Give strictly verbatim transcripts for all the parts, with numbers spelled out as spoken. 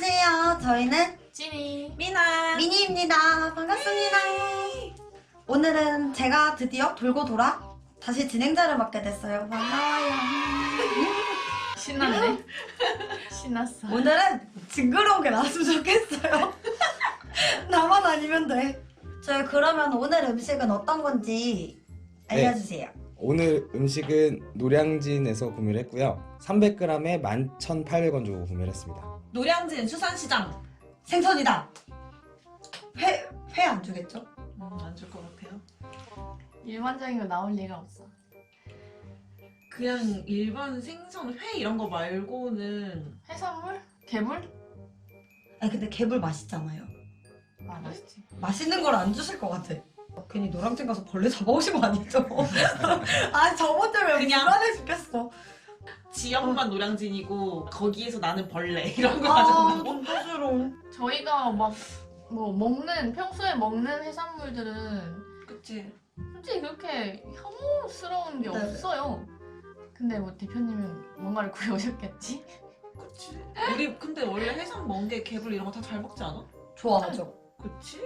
안녕하세요. 저희는 찐이 미나 미니입니다. 반갑습니다. 오늘은 제가 드디어 돌고 돌아 다시 진행자를 맡게 됐어요. 반가워요. 신났네. 신났어. 오늘은 징그러운 게 나왔으면 좋겠어요. 나만 아니면 돼. 저희 그러면 오늘 음식은 어떤 건지 알려주세요. 오늘 음식은 노량진에서 구매를 했고요. 삼백 그램에 만 천팔백 원 주고 구매를 했습니다. 노량진 수산시장. 생선이다. 회, 회 안 주겠죠? 음, 안 줄 것 같아요. 일반적인 거 나올 리가 없어. 그냥 일반 생선 회 이런 거 말고는 해산물? 개물? 아니 근데 개불 맛있잖아요. 아 맛있지. 맛있는 걸 안 주실 것 같아. 괜히 노량진 가서 벌레 잡아오신 거 아니죠? 아 저번 주에 그냥- 불안해 죽겠어. 지역만 노량진이고 거기에서 나는 벌레 이런 거 아 하잖아요. 진짜 싫어. 저희가 막 뭐 먹는 평소에 먹는 해산물들은 그치? 솔직히 그렇게 혐오스러운 게 네. 없어요. 근데 뭐 대표님은 뭔가를 구해오셨겠지? 그치? 우리 근데 원래 해산 멍게 개불 이런 거 다 잘 먹지 않아? 좋아하죠. 그치?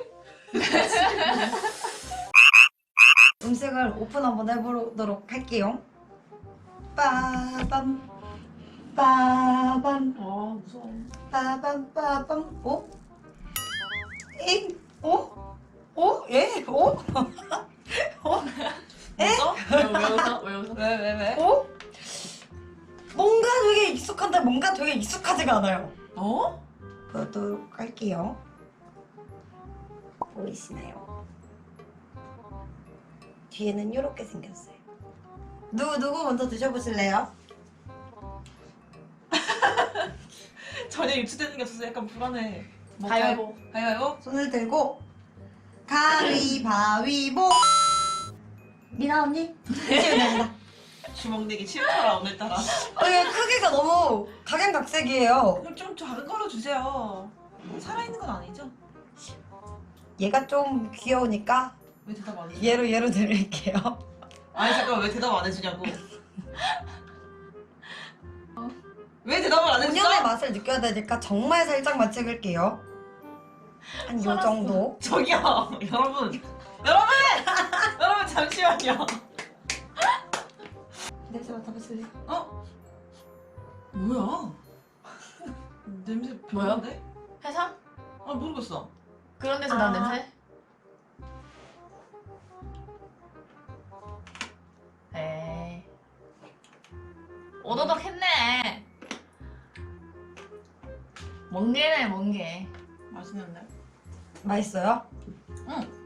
음식을 오픈 한번 해보도록 할게요. 빠밤 빠밤 아 무서워. 빠밤 빠밤 오? 잉? 오? 오? 예? 오? 오? 에? 웃어? 왜, 왜 웃어? 왜 웃어? 왜 왜 왜? 어? 뭔가 되게 익숙한데 뭔가 되게 익숙하지가 않아요. 어? 보도록 할게요. 보이시나요? 뒤에는 이렇게 생겼어요. 누구 누구 먼저 드셔보실래요? 전혀 유추되는 게 없어서 약간 불안해. 뭐 가위바위보. 가위- 가위바위보? 손을 들고 가위바위보. 미나 언니 드시면 됩니다. 주먹 내기 싫더라 오늘따라. 어, 이게 크기가 너무 각양각색이에요. 그럼 좀 작은 걸로 주세요. 살아있는 건 아니죠? 얘가 좀 귀여우니까 왜 대답 안 해? 얘로 얘로 드릴게요. 아니 잠깐 왜 대답 안 해주냐고. 왜 대답을 안 해주죠? 본연의 맛을 느껴야 되니까 정말 살짝만 찍을게요. 한 요 살았어. 정도. 저기요 여러분 여러분 여러분 잠시만요. 냄새 맡아보실래요? 어? 뭐야? 냄새 뭐야? 별론데? 해삼? 아 모르겠어. 그런 데서 난 아. 냄새? 에이 오도독 했네. 멍게네 멍게. 맛있는데? 맛있어요? 응.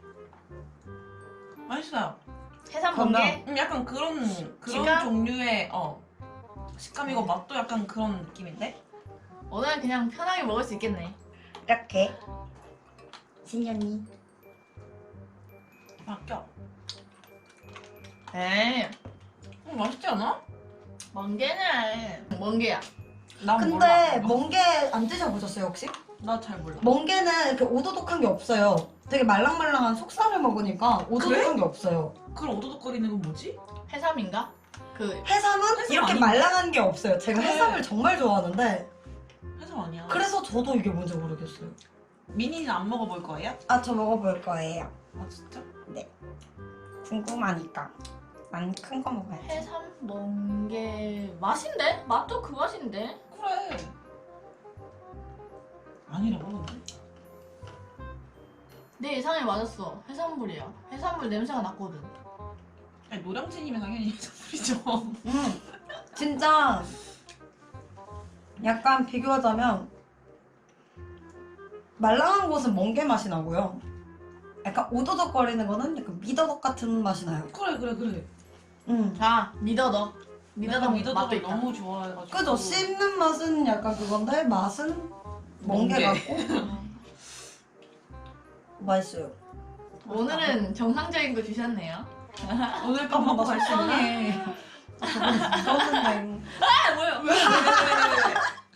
맛있어요. 해삼 그러면- 멍게? 음, 약간 그런 그런 식감? 종류의 어 식감이고 맛도 약간 그런 느낌인데? 오늘은 그냥 편하게 먹을 수 있겠네. 이렇게 신현이 바뀌어. 에이 음, 맛있지 않아? 멍게네. 멍게야. 난 근데 몰라. 멍게 안 드셔보셨어요 혹시? 나 잘 몰라. 멍게는 이렇게 오도독한 게 없어요. 되게 말랑말랑한 속살을 먹으니까 오도독한 게 없어요. 그럼 오도독거리는 건 뭐지? 해삼인가? 그 해삼은 해삼 이렇게 아닌가? 말랑한 게 없어요. 제가 그래. 해삼을 정말 좋아하는데 해삼 아니야. 그래서 저도 이게 뭔지 모르겠어요. 미니는 안 먹어볼 거예요? 아 저 먹어볼 거예요. 아 진짜? 궁금하니까 난 큰 거 먹어야지. 해삼 멍게 맛인데? 맛도 그 맛인데? 그래. 아니라고? 내 예상에 맞았어. 해산물이야. 해산물 냄새가 났거든. 아니 노량진이면 당연히 해산물이죠. 음 진짜 약간 비교하자면 말랑한 곳은 멍게 맛이 나고요. 약간 오도독거리는 거는 약간 미더덕 같은 맛이 나요. 그래 그래 그래. 음. 아 미더덕. 미더덕 미더덕 맛도 미더덕을 있다. 너무 좋아해가지고. 그죠? 씹는 맛은 약간 그건데 맛은 멍게 멍게. 같고 맛있어요. 오늘은 정상적인 거 주셨네요. 오늘 밤 먹고 갈 수 있나? 불쌍해. 저는 아 뭐야? 왜? 왜? 왜? 왜?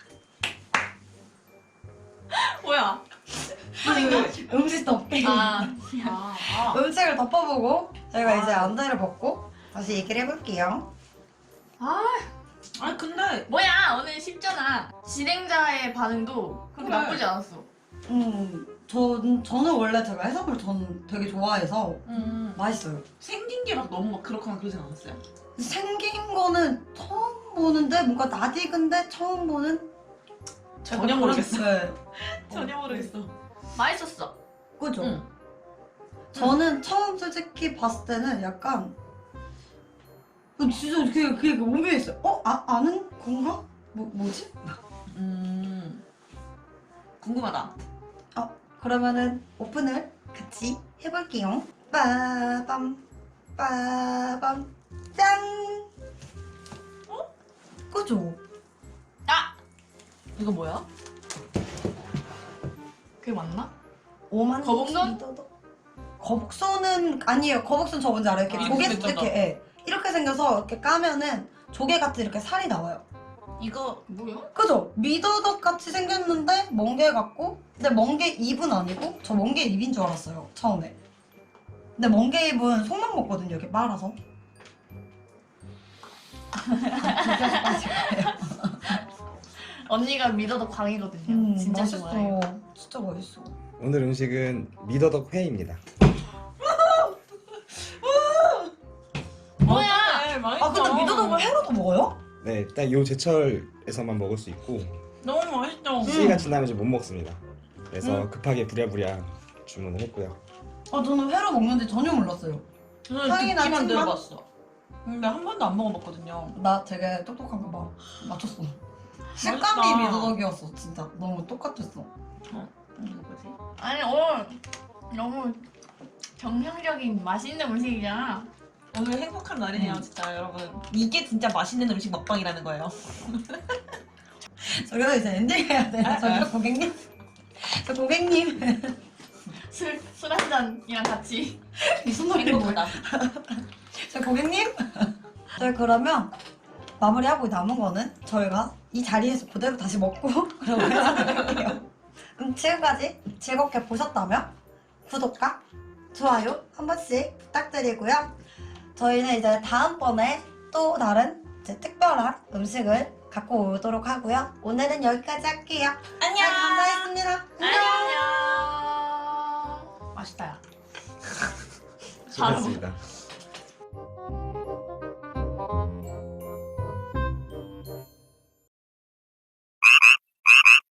뭐야? 음식 덮개. 아, 아, 아. 음식을 덮어보고 저희가 아. 이제 안대를 벗고 다시 얘기를 해볼게요. 아 아니 근데 뭐야 오늘 쉽잖아. 진행자의 반응도 그렇게 그래. 나쁘지 않았어. 음, 전, 저는 원래 제가 해산물 전 되게 좋아해서 음, 맛있어요. 생긴 게 막 너무 막 그렇거나 그러진 않았어요? 생긴 거는 처음 보는데 뭔가 낯익은데 처음 보는 전혀 그런- 모르겠어. 네. 전혀 모르겠어. 맛있었어. 그죠? 응. 저는 처음 솔직히 봤을 때는 약간 어, 진짜 그게 그게 오묘했어요. 어? 아, 아는 건가? 뭐, 뭐지? 음, 궁금하다. 그러면은 오픈을 같이 해볼게요. 빠밤 빠밤 짠. 어? 그죠? 아 이거 뭐야? 그게 맞나? 오만 거북선? 거북선은 아니에요. 거북선 저 뭔지 알아요? 이렇게 아, 조개 이렇게 이렇게 예. 이렇게 생겨서 이렇게 까면은 조개 같이 이렇게 살이 나와요. 이거 뭐야? 그죠? 미더덕 같이 생겼는데 멍게 같고 근데 멍게 잎은 아니고 저 멍게 잎인 줄 알았어요 처음에. 근데 멍게 잎은 속만 먹거든요 이렇게 말아서. 언니가 믿어도 광이거든요. 음, 진짜 맛있어. 좋아해요. 진짜 맛있어. 오늘 음식은 미더덕 회입니다. 뭐야? 아 근데 미더덕을 회로도 먹어요? 네, 딱 요 제철에서만 먹을 수 있고 너무 맛있죠? 시기가 지나면 이제 못 먹습니다. 그래서 음. 급하게 부랴부랴 주문을 했고요. 아 저는 회로 먹는지 전혀 몰랐어요. 저는 향이 나, 듣기만 찐맛? 들어봤어. 근데 한 번도 안 먹어봤거든요. 나 되게 똑똑한가 봐. 맞췄어. 식감이 맛있다. 미더덕이었어 진짜. 너무 똑같았어. 이거 뭐지? 아니 오늘 너무 정상적인 맛있는 음식이잖아. 오늘 행복한 날이네요, 음. 진짜 여러분. 이게 진짜 맛있는 음식 먹방이라는 거예요. 저기서 이제 엔딩 해야 돼요. 아, 저기 아. 고객님. 저 고객님. 술 술 한 잔이랑 같이. 이 손놀이 뭐야? 행복하다. 저 고객님. 저희 그러면 마무리하고 남은 거는 저희가 이 자리에서 그대로 다시 먹고 그러고 해산할게요. 그럼 지금까지 즐겁게 보셨다면 구독과 좋아요 한 번씩 부탁드리고요. 저희는 이제 다음번에 또 다른 이제 특별한 음식을 갖고 오도록 하고요. 오늘은 여기까지 할게요. 안녕! 네, 감사했습니다. 안녕. 맛있다 야. 수고하셨습니다.